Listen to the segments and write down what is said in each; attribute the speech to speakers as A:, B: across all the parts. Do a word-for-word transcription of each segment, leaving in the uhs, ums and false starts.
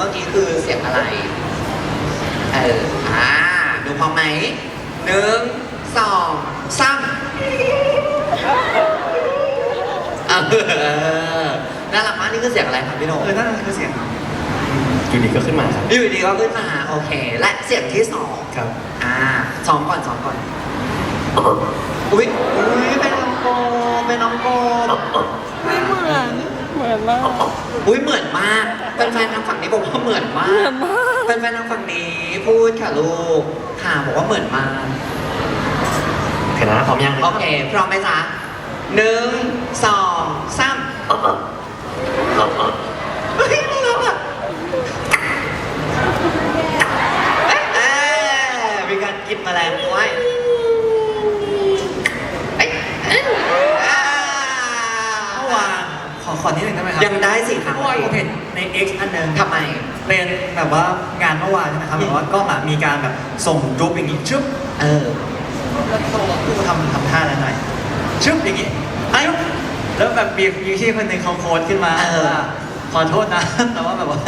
A: มื่อกี้คือเสียงอะไรเอออ่าดูพร้อมไหมหนึ่งสองสามเออน่ารักมากนี่คือเสียงอะไรครับพี่โหน่ง
B: เออนั่นคือเสียง
C: อยู่ดีก็ขึ้นมาครับ
A: อยู่ดีก็ขึ้นมาโอเค และเสียงที่สอง
C: ครับ
A: อ่าซ้อมก่อนซ้อมก่อนอุ้ยอุ้ยเป็นน้องโกเป็นน้องโก
D: ไม่เหมือนเหมือนมาก
A: อุ้ยเหมือนมากแฟนๆทางฝั่งนี้บอกว่าเหมือนมา
D: เหมือก นมาก
A: แฟนๆทางฝั่งนี้พูดค่ะลูกค่ะบอกว่าเหมือนมาก
C: โอเคนะพร้อมยัง
A: โอเคพร้อมไหมจ๊ะหนึ่งสองสามเฮ้ยน่ารักอ่ะเอ๊ะเอ๊ะมีการกินแมลงด้วยเอ๊ะเอ๊ะอ่า
B: เมื่อวานขอขอนิดหนึ่งได้ไหมครั
A: ยังได้สิครับ
B: เมื่อวานผมเห็นใน X อันหนึ่ง
A: ทำไม
B: เป็นแบบว่างานเมื่อวานใช่ไหมครับแบบว่ากล้องอะมีการแบบส่งรูปอย่างนี้ชึบ
A: เออ
B: แล้วโตกูทำทำท่านั้นหน่อยชึบอย่างนี้ไอ้แล้วแบบมีมีที่คนหนึ่งเขาโค้ดขึ้นมา
A: เออ
B: ว่าขอโทษนะ แต่ว่าแบบว่า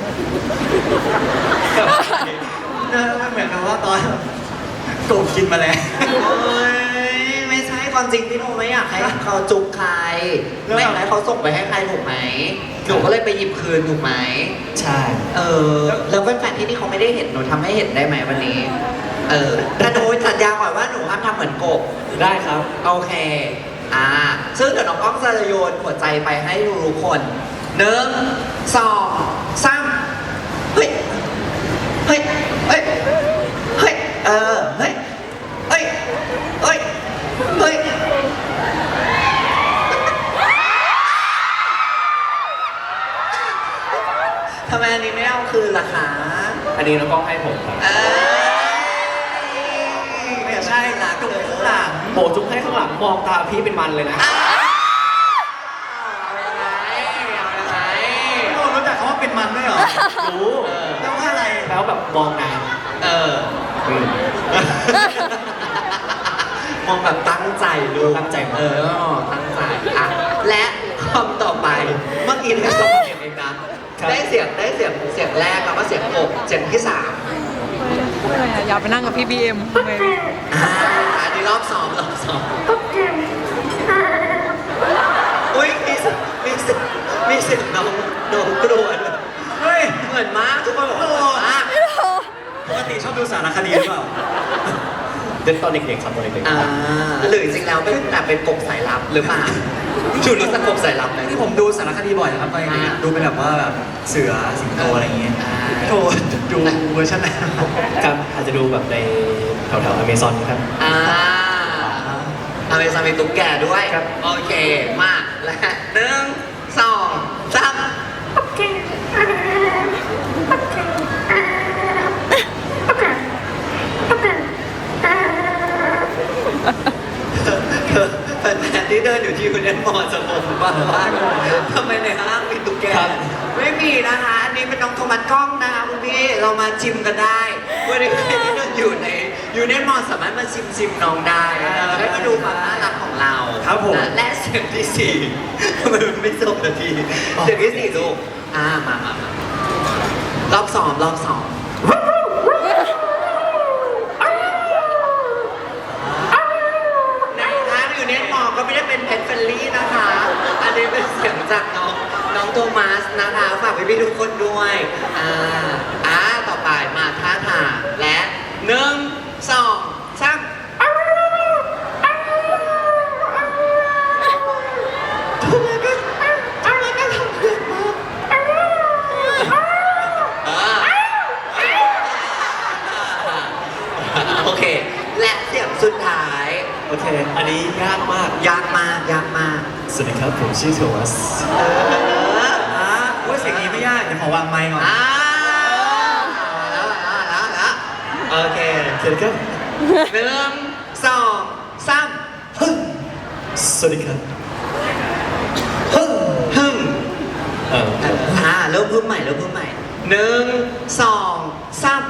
B: เออมันเหมือนกับว่าตอนกบกินแมลง
A: เอ้ยไม่ใช่ความจริงพี่โนไม่อยากให้เขาจุกใครไม่อยากให้เขาส่งไปให้ใครถูกไหมหนูก็เลยไปหยิบคืนถูกไหม
C: ใช่
A: เออแล้วแฟนๆที่นี่เขาไม่ได้เห็นหนูทำให้เห็นได้ไหมวันนี้ เออแต่หนูสัญญาก่อนว่าหนูห้ามทำเหมือนกบ
C: ได้ครับ
A: โอเค อ่า ซึ่งเดี๋ยวน้องก้องจะโยนหัวใจไปให้ทุกคนหนึ่งสองสามเฮ้ย เฮ้ย เฮ้ย เฮ้ย เออ เฮ้ย เฮ้ย เฮ้ย เฮ้ย ทำไมอันนี้ไม่เอาคืนล่ะคะ
C: อันนี้น้องกล้องให้ผมครับ
A: เอ้ย
B: ไม่ใช่หลังกบข้างหลัง
C: โบจุ๊บให้ข้างหลังมองตาพี่เป็นมันเลยนะ
A: อ้าวเอายังไงเอายังไง
B: โอ้รู้จักคำว่าเป็นมันด้วยเหรอ
C: รู้
B: แปลว่าอะไร
C: แปลว่าแบบมองนาน
A: เออ
C: อืม
A: มองแบบตั้งใจลูก
C: ตั้งใจมาก
A: เออ ตั้งใจ อ่ะ และคำต่อไป เมื่อกี้ได้สองเสียงเองนะ ได้เสียง ได้เสียง เสียงแรกแล้วก็เสียงอกเสียงที่สาม
D: อะไรอะอยากไปนั่งกับพี่บีเอ็มทำไม
A: อ่า อันนี้รอบสองรอบสองอุ้ยมีเสียงมีเสียงมีเสียงน้องน้องกรวน
B: เฮ้ย
A: เหมือนมากทุกคนบอกว่าเหมือนมาก
B: ปกติชอบดูสารคดีหรือเปล่า
C: เด็กตอนเด็กๆครับตอนเด็ก
A: อ่าหรือจริงๆแล้วเป็นแบบเป็นกบสายลับหรือเปล่าชูรู้จักกบสายลับไหม
B: ที่ผมดูสารคดีบ่อยนะครับตอนเด็กๆอะดูเป็นแบบว่าแบบเสือสิงโตอะไรอย่างเงี้ย
A: อ่า
B: โทษดูเวอร์ชันไหน
C: ๆครับอาจจะดูแบบในแถวๆอเมซอนครับ
A: อ่าอเมซอนมีตุ๊กแกด้วย
C: ครับ
A: โอเค มาและหนึ่งสองสามแฟนๆที่เดินอยู่ที่คุณเอ็นมอจะงงบ้างว่าทำไมในห้างมีตุ๊กแก ไม่มีนะคะ อันนี้เป็นน้องโทมัสกล้องนะคะคุณพี่ เรามาชิมกันได้วันนี้ใครที่อยู่ในยูเนียนมอลสามารถมาชิมชิมน้องได้นะคะได้มาดูความน่ารักของเรา
B: ครับผม
A: และและเสียงที่สี่ทำไมมันไม่จบนาทีเสียงที่สี่ลูกอ่ามามามารอบสองรอบสองในทางยูเนียนมอลก็ไม่ได้เป็นเพนเฟลลี่นะคะ อันนี้เป็นเสียงจากน้องน้องโทมัสนะคะฝากพี่ๆทุกคนด้วยอ่าอ่าต่อไปมาท่าทางและหนึ่งสองสามทำไมก็ทำไมก็ทำเพื่อนมากอ่าโอเค และเสียงสุดท้าย
C: โอเค อันนี้ยากมาก
A: ยากมากยากมาก
C: สวัสดีครับผมชื่อโทมัส
A: เออ
B: อ่าโอ้ยเสียงนี้ไม่ยาก เดี๋ยวขอวางไมค์ก่อน
A: อ่าแล้วแล้วแล้วแล้วโอเค
C: สวัสดีครับ
A: หนึ่งสองสามฮึ่ม
C: สวัสดีครับ
A: ฮึ่มฮึ่ม
C: เอ่อ
A: อ่าเริ่มพึ่มใหม่เริ่มพึ่มใหม่หนึ่งสองสาม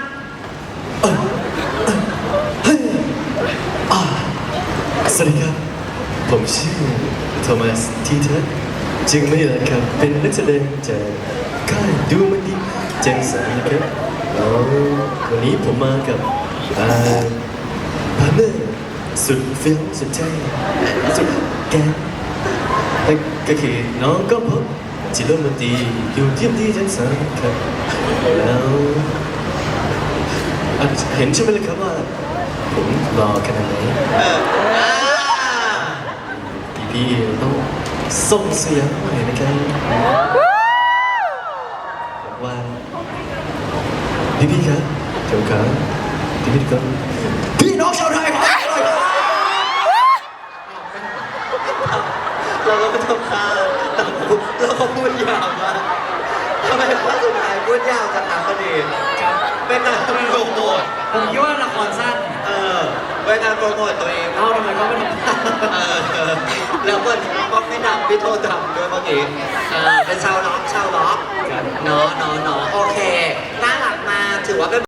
C: สวัสดีครับ ผมชื่อโทมัสทีเทอร์จึงไม่อยากครับเป็นนักแสดงจากค่ายดูมันดีเจมสันนะครับแล้ววันนี้ผมมากับอ่าพาร์ทเนอร์สุดเฟี้ยวสุดเท่สุดแกงนั่นก็คือน้องก็พบจิโร่มนตรีอยู่ที่ที่เจมสันครับแล้วอ่ะเห็นใช่ไหมล่ะครับว่าผมรอขนาดไหน
A: เอออ่า
C: พี่ๆต้องส่งเสียงหน่อยนะครับบอกว่าพี่ๆครับเจ้าครับพี่ๆครับพี่น้องชาวไทยครับ
A: เราก็ไม่ต้องฆ่าแต่เราก็พูดยาวมากทำไมข้อสุดท้ายพูดยาวจังนะพอดีเป็นการโปรโมท
B: ผมคิดว่าละครสั้น
A: เออเป็นการโปรโมทตัวเอง
B: เอ้าทำไมเขาไม่ทำ
A: เออแล้วคนก็ไม่ดำพี่โทษดำด้วยเมื่อกี้เออเป็นชาวล็อกชาวล็อกเนาะเนาะเนาะโอเคน่ารักมากถือว่าเป็น